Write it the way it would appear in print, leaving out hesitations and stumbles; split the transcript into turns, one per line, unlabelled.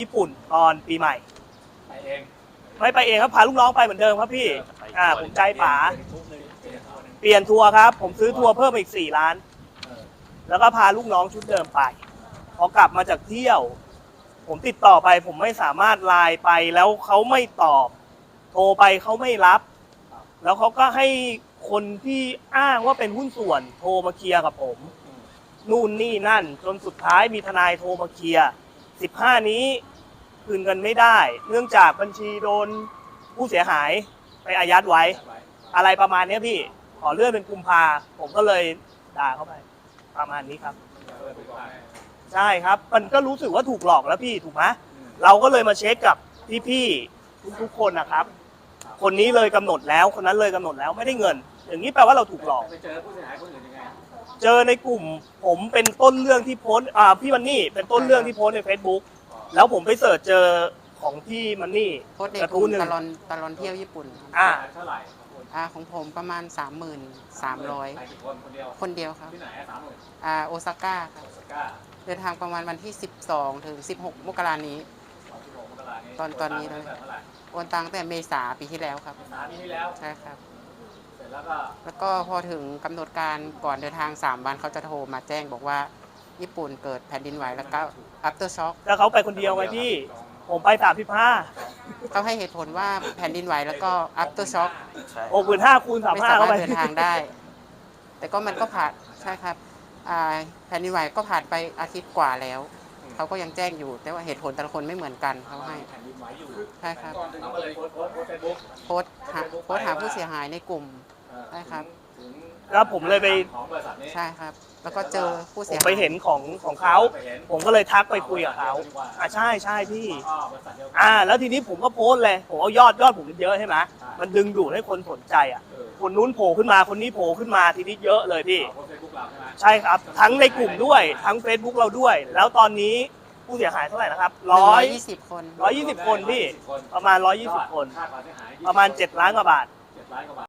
ญี่ปุ่นตอนปีใหม่
ไปเอง
ไม่ไปเองครับพาลูกน้องไปเหมือนเดิมครับพี่ผมใจป๋าเป
เปลี่ยน
ลี่ยนทัวร์ครับผมซื้อทัวร์เพิ่มอีก4 ล้านแล้วก็พาลูกน้องชุดเดิมไปพอกลับมาจากเที่ยว ผมติดต่อไปผมไม่สามารถไลน์ไปแล้วเขาไม่ตอบโทรไปเขาไม่รับ แล้วเขาก็ให้คนที่อ้างว่าเป็นหุ้นส่วนโทรมาเคลียร์กับผมนู่นนี่นั่นจนสุดท้ายมีทนายโทรมาเคลียร์15นี้คืนเงินไม่ได้ เนื่องจากบัญชีโดนผู้เสียหายไปอายัดไว้ อะไรประมาณนี้พี่ขอเลื่อนเป็นกุมภาผมก็เลยด่าเข้าไปประมาณนี้ครับใช่ครับมันก็รู้สึกว่าถูกหลอกแล้วพี่ถูกไหมเราก็เลยมาเช็คกับพี่ๆทุกๆคนนะครับคนนี้เลยกำหนดแล้วคนนั้นเลยกำหนดแล้วไม่ได้เงิน อย่างนี้แปลว่าเราถูกหลอก
ไปเจอผู้เสียหายคนอื่นยังไง
เจอในกลุ่มผมเป็นต้นเรื่องที่โพสพี่มันนี่เป็นต้นเรื่องที่โพสใน Facebook แล้วผมไปเสิร์ชเจอของพี่มันนี่
โพสต์ในกลุ่มตลอนเที่ยวญี่ปุ่น
เท่าไหร่
ของผมประมาณ 33,000
ไปคนเดียว
คนเดียวครับ
ที่ไหน
โอซาก้าครับ
ก้า
เดินทางประมาณวันที่ 12 ถึง 16 มกรานี้ตอนนี้เลยโอนตังแต่เมษาปีที่แล้วครับ
ปีที่แล้ว
ใช่ครับ
เสร็จแล้ว
ก็พอถึงกำหนดการก่อนเดินทาง3 วันเขาจะโทรมาแจ้งบอกว่าญี่ปุ่นเกิดแผ่นดินไหวแล้วก็ after shock
แล้วเขาไปคนเดียวไงพี่ผมไป35
เขาให้เหตุผลว่าแผ่นดินไหวแล้วก็ after shock
65,000 คูณ
ไม่
35
สา
เข้าไป
มารถเดินทางได้ แต่ก็มันก็ผ่านใช่ครับแผ่นดินไหวก็ผ่านไปอาทิตย์กว่าแล้วเขาก็ยังแจ้งอยู่แต่ว่าเหตุผลแต่ละคนไม่เหมือนกันเขาให้
แผ่นดินไหวอยู่
ใช่ครับ
เราก็เลยโพสต์เฟซบุ๊ก
โพสต์หาผู้เสียหายในกลุ่มใช่ครับ
แล้วผมเลยไป
ของบริษัทนี้
ใช่ครับแล้วก็เจอผู้เสียหาย
ผมไปเห็นของเขาผมก็เลยทักไปคุยกับเขาใช่พี่แล้วทีนี้ผมก็โพสต์เลยผมเอายอดผมเยอะใช่ไหมมันดึงดูดให้คนสนใจคนนู้นโผล่ขึ้นมาคนนี้โผล่ขึ้นมาทีนี้เยอะเลยพี่ใช่ครับทั้งในกลุ่มด้วยทั้ง Facebook เราด้วยแล้วตอนนี้ผู้เสียหายเท่าไหร่นะครับ
120 คน
120 คนพี่ประมาณ120 คนประมาณ7 ล้านกว่าบาท